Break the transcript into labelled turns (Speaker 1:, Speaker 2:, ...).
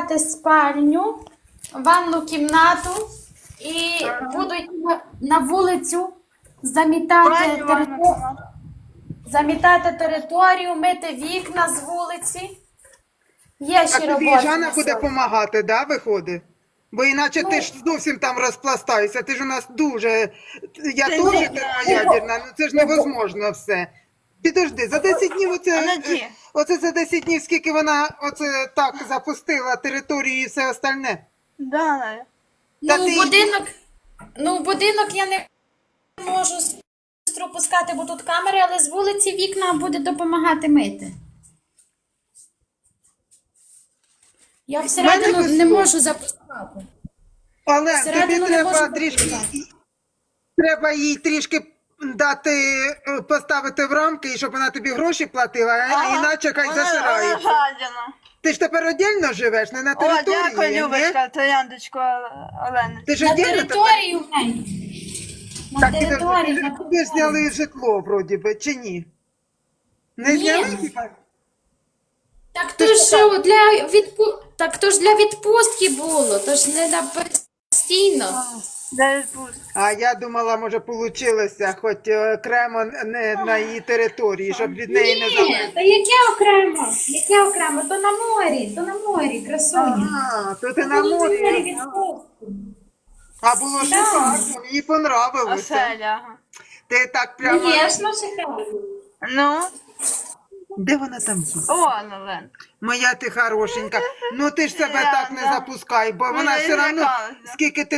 Speaker 1: замітати спальню, ванну кімнату і будуть на вулицю замітати територію, мити вікна з вулиці. Є
Speaker 2: А
Speaker 1: ще
Speaker 2: тобі
Speaker 1: робота.
Speaker 2: Жанна
Speaker 1: на
Speaker 2: буде
Speaker 1: сьогодні.
Speaker 2: допомагати, да, виходить? Бо іначе ти ж зовсім там розпластаєшся, ти ж у нас дуже... Я теж термоядерна, ну це ж невозможно все. Підожди, за 10 днів оце за 10 днів, скільки вона оце так запустила територію і все остальне?
Speaker 3: Да, Надя.
Speaker 1: В будинок я не можу сестру пускати, бо тут камери, але з вулиці вікна буде допомагати мити. Я всередину не можу запускати.
Speaker 2: Але тобі
Speaker 1: Всередину не можу
Speaker 2: треба трішки,
Speaker 1: запускати.
Speaker 2: треба їй трішки дати, поставити в рамки, і щоб вона тобі гроші платила, а іначе хай
Speaker 3: Вона
Speaker 2: засирається.
Speaker 3: гадяна.
Speaker 2: Ти ж тепер віддільно живеш, не на
Speaker 3: О,
Speaker 2: території,
Speaker 3: дякую,
Speaker 2: ні?
Speaker 3: Любочка, трояндочку Олени.
Speaker 2: Ти ж
Speaker 1: На
Speaker 2: віддільно тепер?
Speaker 1: території в неї. На
Speaker 2: Так,
Speaker 1: території.
Speaker 2: підожди,
Speaker 1: на
Speaker 2: тобі ж зняли житло, вроді би, чи ні? Не
Speaker 1: Ні.
Speaker 2: зняли хіба?
Speaker 1: Так то ж для відпустки було, то ж не на постійно.
Speaker 3: Де відпустка?
Speaker 2: А я думала, може, получилося, хоч окремо не на її території, щоб від неї не залежало.
Speaker 1: Ні, та яке окремо? Яке окремо? То на морі, красуня.
Speaker 2: А, то ти на морі.
Speaker 1: відпустку.
Speaker 2: А було шикарно, мені понравилося.
Speaker 3: Оселя. ага.
Speaker 2: Ти так прямо...
Speaker 1: Звісно, шикарно.
Speaker 3: Ну,
Speaker 2: Де вона там є?
Speaker 3: о, Олен.
Speaker 2: Моя ти хорошенька. Ну ти ж себе
Speaker 3: Я,
Speaker 2: так не
Speaker 3: да.
Speaker 2: запускай, бо
Speaker 3: Ну,
Speaker 2: вона
Speaker 3: я
Speaker 2: все одно,
Speaker 3: злякалася.
Speaker 2: скільки ти